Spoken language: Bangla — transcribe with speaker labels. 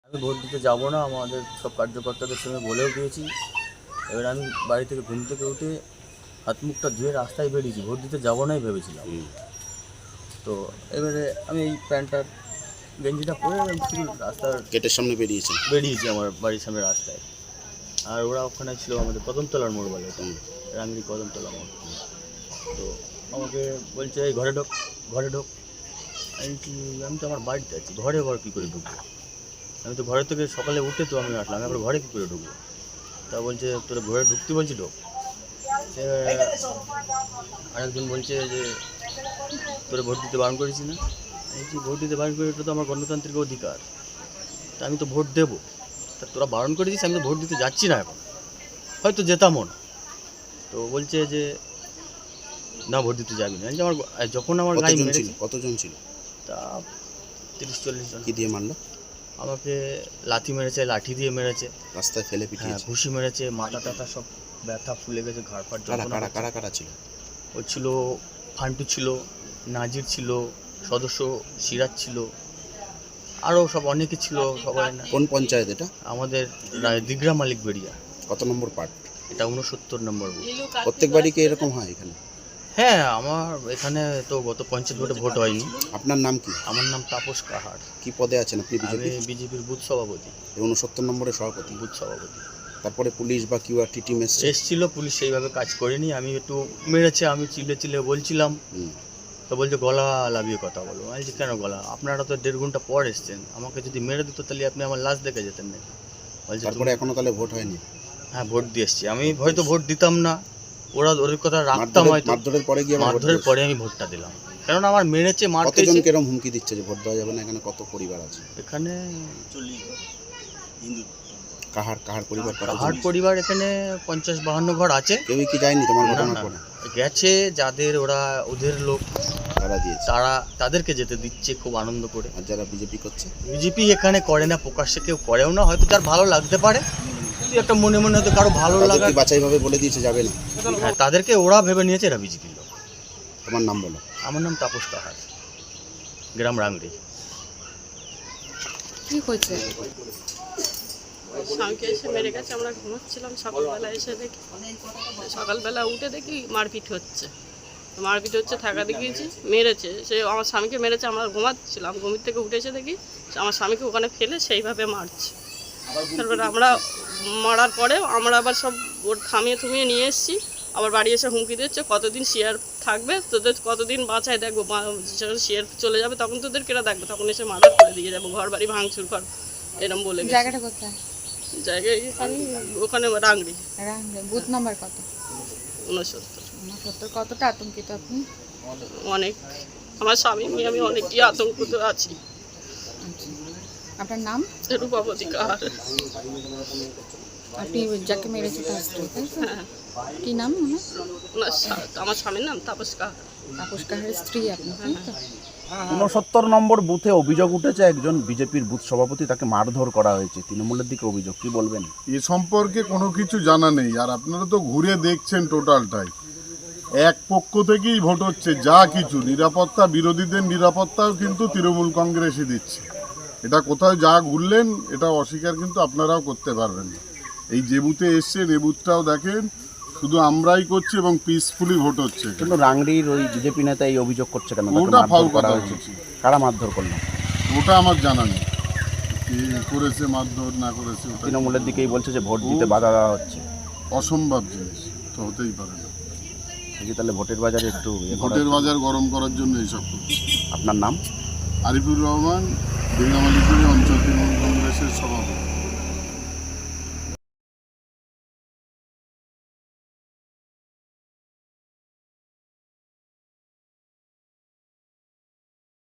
Speaker 1: আমি ভোট দিতে যাব না, আমাদের সব কার্যকর্তাদের সঙ্গে বলেও দিয়েছি। এবার আমি বাড়ি থেকে ঘুম থেকে উঠে হাত মুখটা ধুয়ে রাস্তায় বেরিয়েছি, ভোট দিতে যাবো নাই ভেবেছিলাম। তো এবারে আমি এই প্যান্টটার গেঞ্জিটা পরে আমি শুধু রাস্তার
Speaker 2: গেটের সামনে
Speaker 1: বেরিয়েছি আমার বাড়ির সামনে রাস্তায়। আর ওরা ওখানে ছিল আমাদের কদমতলার মোড় বলে, তো রাঙ্গি কদমতলা মোড়। তো আমাকে বলছে এই ঘরে ঢোক, ঘরে ঢোক। আমি তো আমার বাড়িতে আছি, ঘরে কী করে ঢুকবো? আমি তো ঘরে থেকে সকালে উঠে তো আমি আসলাম, আবার ঘরে কী করে ঢুকবো? তা বলছে তোরা ঘরে ঢুকতে বলছি ঢোক। আরেকজন বলছে যে তোরা ভোট দিতে বারণ করেছি না? বলছি ভোট দিতে বারণ করে, এটা তো আমার গণতান্ত্রিক অধিকার, তা আমি তো ভোট দেবো। তা তোরা বারণ করেছিস, আমি তো ভোট দিতে যাচ্ছি না এখন, হয়তো যেতামও না। তো বলছে যে না ভোট দিতে যাবি না। আমার যখন আমার গায়ে মেরেছে,
Speaker 2: কতজন ছিল?
Speaker 1: তা 30-40 জন।
Speaker 2: কি দিয়ে মারলো?
Speaker 1: আমাকে লাথি মেরেছে, লাঠি দিয়ে মেরেছে,
Speaker 2: রাস্তায় ফেলে পিটিয়েছে,
Speaker 1: ঘুষি মেরেছে, মাথা টাথা সব ব্যথা ফুলে গেছে, ঘাড় ফাট যন্ত্রণা।
Speaker 2: কারা ছিল?
Speaker 1: ও ছিল ফান্টু ছিল, নাজির ছিল, সদস্য সিরাজ ছিল, আরও সব অনেকে ছিল, সবাই না।
Speaker 2: কোন পঞ্চায়েত এটা?
Speaker 1: আমাদের দিগরা মালিক বেরিয়া।
Speaker 2: কত নম্বর পার্ট?
Speaker 1: এটা 69 নম্বর বুথ।
Speaker 2: প্রত্যেক বাড়ি কি এরকম হয় এখানে?
Speaker 1: হ্যাঁ, আমার এখানে তো গত পঞ্চায়েত ভোটে ভোট হয়নি।
Speaker 2: আপনার নাম কি?
Speaker 1: আমার নাম তাপস কাহার।
Speaker 2: কি পদে আছেন আপনি?
Speaker 1: আমি বিজেপির বুথ সভাপতি।
Speaker 2: 69 নম্বরের সভাপতি,
Speaker 1: বুথ সভাপতি।
Speaker 2: তারপরে পুলিশ বা কিউআরটি টিম
Speaker 1: এসেছিল, পুলিশ সেইভাবে কাজ করেনি। আমি একটু মেরেছে, আমি চিল্লে বলছিলাম, তো বলছে গলা লাভিয়ে কথা বলো। আমি বলছি কেন গলা? আপনারা তো 1.5 ঘন্টা পর এসছেন, আমাকে যদি মেরে দিত তাহলে আপনি আমার লাশ দেখে যেতেন নাকি? বলছে
Speaker 2: তারপরে এখনো তাহলে ভোট হয়নি?
Speaker 1: হ্যাঁ, ভোট দিয়ে এসছি। আমি হয়তো ভোট দিতাম না, ওদের কথা রাখতাম হয়তো।
Speaker 2: মারধরের পরে
Speaker 1: আমি ভোটটা দিলাম, কারণ আমার মেরেছে, মার খেয়েছে।
Speaker 2: কতজন কেরম হুমকি দিচ্ছে যে ভোট দেওয়া যাবে না? এখানে কত পরিবার আছে?
Speaker 1: এখানে
Speaker 2: কাহার পরিবার?
Speaker 1: কাহার পরিবার এখানে 50-52 ঘর আছে।
Speaker 2: কেউ কি যায়নি তোমার ঘটনার পরে?
Speaker 1: গেছে, যাদের ওদের লোক
Speaker 2: তারা দিয়েছে,
Speaker 1: তাদেরকে যেতে দিচ্ছে খুব আনন্দ করে।
Speaker 2: আর যারা বিজেপি করছে?
Speaker 1: বিজেপি এখানে করে না, প্রকাশ্যে কেউ করেও না, হয়তো যার ভালো লাগতে পারে, একটা মনে মনে হয়তো কারো ভালো লাগা
Speaker 2: বাছাইভাবে বলে দিয়েছে যাবে না।
Speaker 1: হ্যাঁ, তাদেরকে ওরা ভেবে নিয়েছে এরা বিজেপি লোক।
Speaker 2: তোমার নাম বলো।
Speaker 1: আমার নাম তাপস কাহার, গ্রাম রাংড়ি।
Speaker 3: কি হয়েছে?
Speaker 4: স্বামীকে এসে মেরে গেছে, আমরা ঘুমাচ্ছিলাম, সকালবেলা এসে দেখি, সকালবেলা উঠে দেখি মারপিট হচ্ছে, থাকা দেখিয়েছি, মেরেছে। সে আমার স্বামীকে মেরেছে, আমরা ঘুমাচ্ছিলাম, ঘুমির থেকে উঠে এসে দেখি আমার স্বামীকে ওখানে ফেলে সেইভাবে মারছে। তারপরে আমরা মারার পরে আমরা আবার সব ওর থামিয়ে নিয়ে এসেছি, আবার বাড়ি এসে হুমকি দিচ্ছে কতদিন শেয়ার থাকবে, তোদের কতদিন বাঁচায় দেখবো, শেয়ার চলে যাবে তখন তোদের কেরা দেখবে, তখন এসে মার্ডার করে দিয়ে যাবো, ঘর বাড়ি ভাঙচুর কর, এরকম বলে।
Speaker 3: জায়গাটা কোথায়?
Speaker 4: জায়গায় ওখানে রাংড়ি।
Speaker 3: বুথ নাম্বার কত?
Speaker 4: 69।
Speaker 3: কতটা আতঙ্কিত আপনি?
Speaker 4: অনেক, আমার স্বামী নিয়ে আমি অনেকই আতঙ্কিত আছি।
Speaker 3: আপনার নাম?
Speaker 4: রূপাবতী কাহার।
Speaker 3: আপনি যাকে মেরেছে তার স্ত্রী, তাই তো?
Speaker 4: হ্যাঁ।
Speaker 3: কি নাম?
Speaker 4: আমার স্বামীর নাম তাপস কাহার।
Speaker 3: তাপস কাহারের স্ত্রী আপনি, তাই তো?
Speaker 5: 69 নম্বর বুথে অভিযোগ উঠেছে, একজন বিজেপির বুথ সভাপতি, তাকে মারধর করা হয়েছে, তৃণমূলের দিকে অভিযোগ, কি বলবেন?
Speaker 6: এ সম্পর্কে কোনো কিছু জানা নেই, আর আপনারা তো ঘুরে দেখছেন টোটালটাই এক পক্ষ থেকেই ভোট হচ্ছে, যা কিছু নিরাপত্তা, বিরোধীদের নিরাপত্তাও কিন্তু তৃণমূল কংগ্রেসই দিচ্ছে। এটা কোথাও যা ঘুরলেন এটা অস্বীকার কিন্তু আপনারাও করতে পারবেন না। এই যে বুথে এসছেন এ বুথটাও দেখেন, শুধু আমরাই করছি এবং পিসফুলি ভোট হচ্ছে।
Speaker 5: কিন্তু রাংড়ির ওই বিজেপি নেতা এই অভিযোগ করছে কেন?
Speaker 6: ওটা ফাউল কথা হয়েছে।
Speaker 5: কারা মারধর করলো
Speaker 6: ওটা আমার জানা নেই, কি করেছে, মারধর না করেছে।
Speaker 5: তৃণমূলের দিকেই বলছে যে ভোট দিতে বাধা দেওয়া হচ্ছে।
Speaker 6: অসম্ভব জিনিস তো হতেই পারে না।
Speaker 5: তাহলে ভোটের বাজারে একটু
Speaker 6: ভোটের বাজার গরম করার জন্য এইসব করছে।
Speaker 5: আপনার নাম?
Speaker 6: আরিফুর রহমান, দিঘামালিপুরি অঞ্চল তৃণমূল কংগ্রেসের সভাপতি।